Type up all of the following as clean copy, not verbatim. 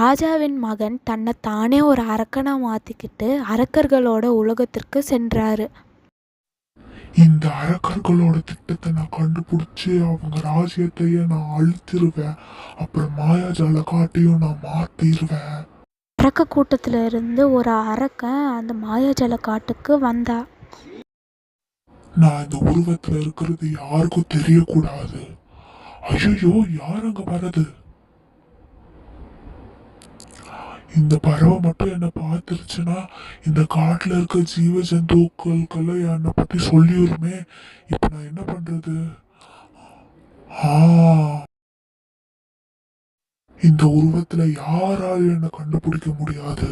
ராஜாவின் மகன் தன்னை தானே ஒரு அரக்கனா மாத்திக்கிட்டு அரக்கர்களோட உலகத்திற்கு சென்றாரு. இந்த அரக்கர்களோட திட்டத்தை நான் கண்டுபிடிச்சு அவங்க ராஜ்யத்தையே நான் அழித்திருவேன். அப்புறம் மாயாஜால காட்டையும் நான் மாத்திருவேன். அரக்க கூட்டத்துல இருந்து ஒரு அரக்கன் அந்த மாயாஜால காட்டுக்கு வந்தா. நான் இந்த உருவத்துல இருக்கிறது யாருக்கும் தெரியக்கூடாது. ஐயோ, யார் அங்க வர்றது? இந்த பறவை மட்டும் என்னை பார்த்துருச்சுன்னா இந்த காட்டுல இருக்க ஜீவ ஜந்துக்களுக்கெல்லாம் என்னை பத்தி சொல்லிடுமே. இப்ப நான் என்ன பண்றது? இந்த உருவத்துல யாராலும் என்னை கண்டுபிடிக்க முடியாது.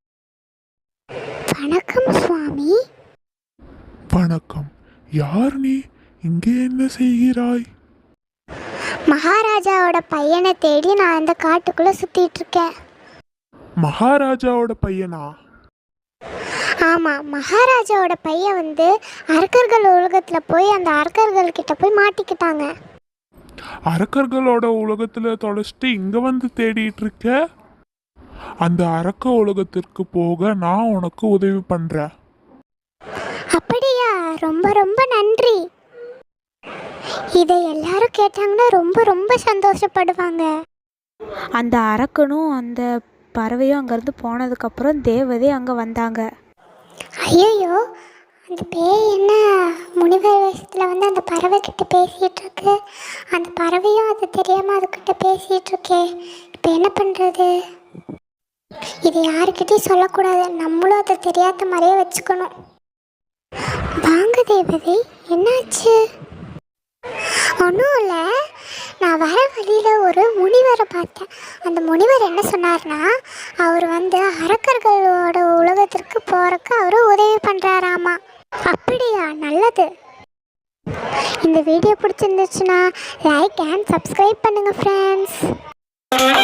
வணக்கம் சுவாமி. வணக்கம். யார் நீ? இங்கே என்ன செய்கிறாய்? மகாராஜாவோட பையனை தேடி நான் இந்த காட்டுக்குள்ள சுத்திட்டு இருக்கேன். மகாராஜாவோட பையனா? ஆமா, மகாராஜாவோட பையன் அரக்கர்கள் உலகத்துல போய் அந்த அரக்கர்கள் கிட்ட போய் மாட்டிக்கிட்டாங்க. அரக்கர்களோட உலகத்துல தொலைச்சிட்டு இங்க வந்து தேடிட்டு இருக்க? அந்த அரக்க உலகத்திற்கு போக நான் உனக்கு உதவி பண்றேன். அப்படியா? ரொம்ப ரொம்ப நன்றி. இதை எல்லாரும் கேட்டாங்கன்னா ரொம்ப ரொம்ப சந்தோஷப்படுவாங்க. அந்த அரக்கனும் அந்த பறவையும் அங்கேருந்து போனதுக்கப்புறம் தேவதை அங்கே வந்தாங்க. ஐயோ, அந்த பேய் என்ன முனிவர் வேஷத்தில் அந்த பறவை கிட்ட பேசிகிட்டு இருக்கு. அந்த பறவையும் அது தெரியாமல் அதுக்கிட்ட பேசிகிட்டு இருக்கே. இப்போ என்ன பண்ணுறது? இது யாருக்கிட்டையும் சொல்லக்கூடாது. நம்மளும் அதை தெரியாத மாதிரியே வச்சுக்கணும். வாங்க தேவதை, என்னாச்சு? ஒன்றும் இல்லை, நான் வர வழியில் ஒரு முனிவரை பார்த்தேன். அந்த முனிவர் என்ன சொன்னார்னா, அவர் அரக்கர்களோட உலகத்திற்கு போகிறக்கு அவர் உதவி பண்ணுறாராமா. அப்படியா? நல்லது. இந்த வீடியோ பிடிச்சிருந்துச்சுன்னா லைக் அண்ட் சப்ஸ்கிரைப் பண்ணுங்கள் ஃப்ரெண்ட்ஸ்.